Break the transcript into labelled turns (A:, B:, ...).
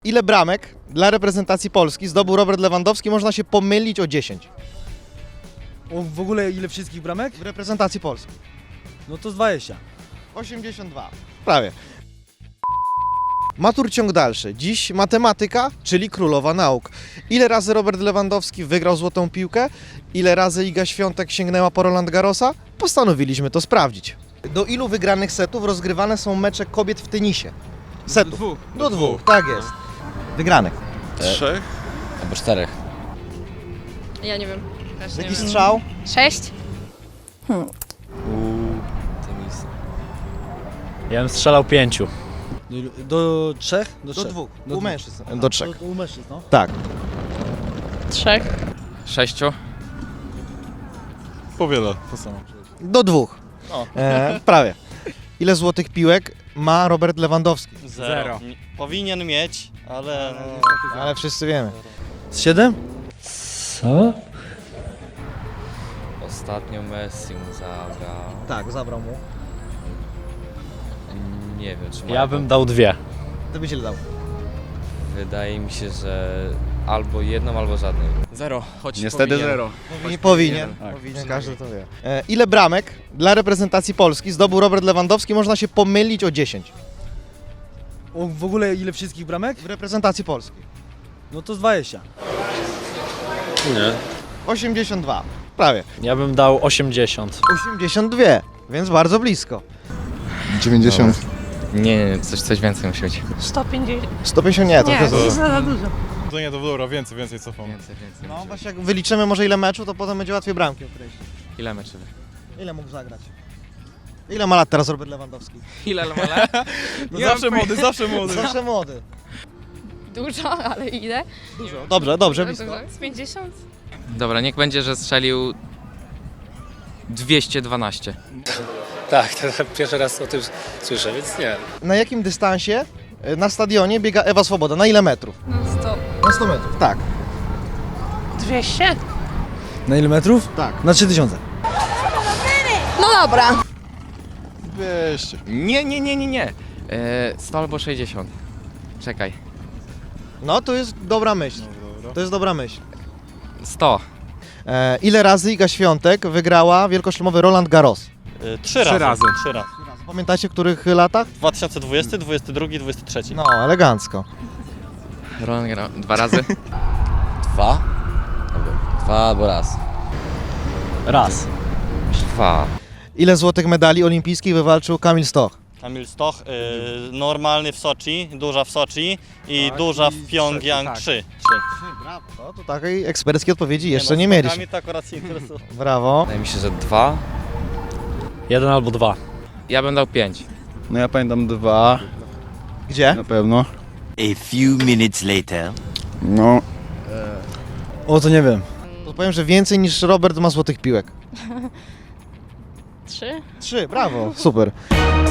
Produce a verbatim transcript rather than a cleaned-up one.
A: Ile bramek dla reprezentacji Polski zdobył Robert Lewandowski? Można się pomylić o dziesięć.
B: O, w ogóle ile wszystkich bramek?
A: W reprezentacji Polski.
B: No to z dwadzieścia.
A: osiemdziesiąt dwa. Prawie. Matur ciąg dalszy. Dziś matematyka, czyli królowa nauk. Ile razy Robert Lewandowski wygrał złotą piłkę? Ile razy Iga Świątek sięgnęła po Roland Garrosa? Postanowiliśmy to sprawdzić. Do ilu wygranych setów rozgrywane są mecze kobiet w tenisie? Setów.
C: Do dwóch.
A: Do dwóch, tak jest. Wygranych.
C: Trzech?
D: Albo czterech.
E: Ja nie wiem. Też nie
A: Jaki
E: wiem.
A: strzał?
E: Sześć?
D: Tenis.
F: Ja bym strzelał pięciu.
B: Do trzech?
A: Do
B: trzech.
A: dwóch.
B: Do
A: U
B: dwóch.
A: mężczyzn. Do trzech.
B: Do, u mężczyzn, no.
A: Tak.
E: Trzech.
D: Sześciu.
C: Powiele, to samo.
A: Do dwóch.
C: O.
A: E, prawie. Ile złotych piłek ma Robert Lewandowski?
C: Zero. Powinien mieć, ale... No...
A: Ale wszyscy wiemy.
B: Z siedem?
F: Co?
D: Ostatnio Messi mu zabrał.
A: Tak, zabrał mu.
D: Nie wiem, czy ma.
F: Ja bym dał dwie.
A: To byś ile dał?
D: Wydaje mi się, że albo jedną, albo żadnej. Zero, choć
C: Niestety
D: powinien.
C: zero.
A: Powinien, powinien,
C: Tak.
A: powinien każdy to wie. E, ile bramek dla reprezentacji Polski zdobył Robert Lewandowski? Można się pomylić o dziesięć.
B: O, w ogóle ile wszystkich bramek?
A: W reprezentacji Polski.
B: No to z dwadzieścia.
C: Nie.
A: osiemdziesiąt dwa. Prawie.
F: Ja bym dał osiemdziesiąt.
A: osiemdziesiąt dwa, więc bardzo blisko.
G: dziewięćdziesiąt.
D: Nie, nie, coś, coś więcej musi być.
E: sto pięćdziesiąt.
A: sto pięćdziesiąt nie, to
E: Nie,
A: jest
E: to jest za dużo.
C: To nie, to dobra, więcej, więcej cofam.
D: Więcej, więcej.
A: No właśnie jak wyliczymy może ile meczu, to potem będzie łatwiej bramki określić.
D: Ile meczy?
A: Ile mógł zagrać? Ile ma lat teraz Robert Lewandowski?
D: Ile lat?
C: No zawsze młody, zawsze młody.
A: Zawsze młody.
E: Dużo, ale ile?
A: Dużo. Dobrze, dobrze, blisko.
E: Z pięćdziesiąt?
D: Dobra, niech będzie, że strzelił dwieście dwanaście.
H: Tak, to pierwszy raz o tym słyszę, więc nie.
A: Na jakim dystansie e, na stadionie biega Ewa Swoboda? Na ile metrów?
E: No sto.
A: Na sto metrów. Tak.
E: Dwieście?
B: Na ile metrów?
A: Tak.
B: Na trzy tysiące.
E: No dobra.
C: dwieście.
D: Nie, nie, nie, nie, nie. E, sto albo sześćdziesiąt. Czekaj.
A: No to jest dobra myśl.
C: Dobra.
A: To jest dobra myśl.
D: sto.
A: E, ile razy Iga Świątek wygrała wielkoszlemowy Roland Garros?
C: Trzy,
F: Trzy
C: razy.
F: razy.
C: Trzy razy.
A: Pamiętacie w których latach?
C: dwa tysiące dwudziesty, dwudziesty drugi, dwudziesty trzeci.
A: No, elegancko.
D: Roland Garros. Dwa razy?
G: Dwa? Albo dwa albo raz.
F: Raz.
D: Dwa.
A: Ile złotych medali olimpijskich wywalczył Kamil Stoch?
I: Kamil Stoch, y, normalny w Soczi, duża w Soczi i
F: Tak,
I: duża
F: i
I: w Pjongjang
F: tak.
I: trzy.
A: Brawo. No to takiej eksperckiej odpowiedzi jeszcze
I: no,
A: nie
I: z
A: mieliśmy.
I: skokami to akurat się interesuje.
A: Brawo.
D: Wydaje mi się, że dwa.
F: Jeden albo dwa.
D: Ja bym dał pięć.
G: No ja pamiętam dwa,
A: Gdzie?
G: na pewno.
J: A few minutes later.
G: No,
B: O, to nie wiem.
A: To powiem, że więcej niż Robert ma złotych piłek.
E: Trzy?
A: Trzy, brawo. Super.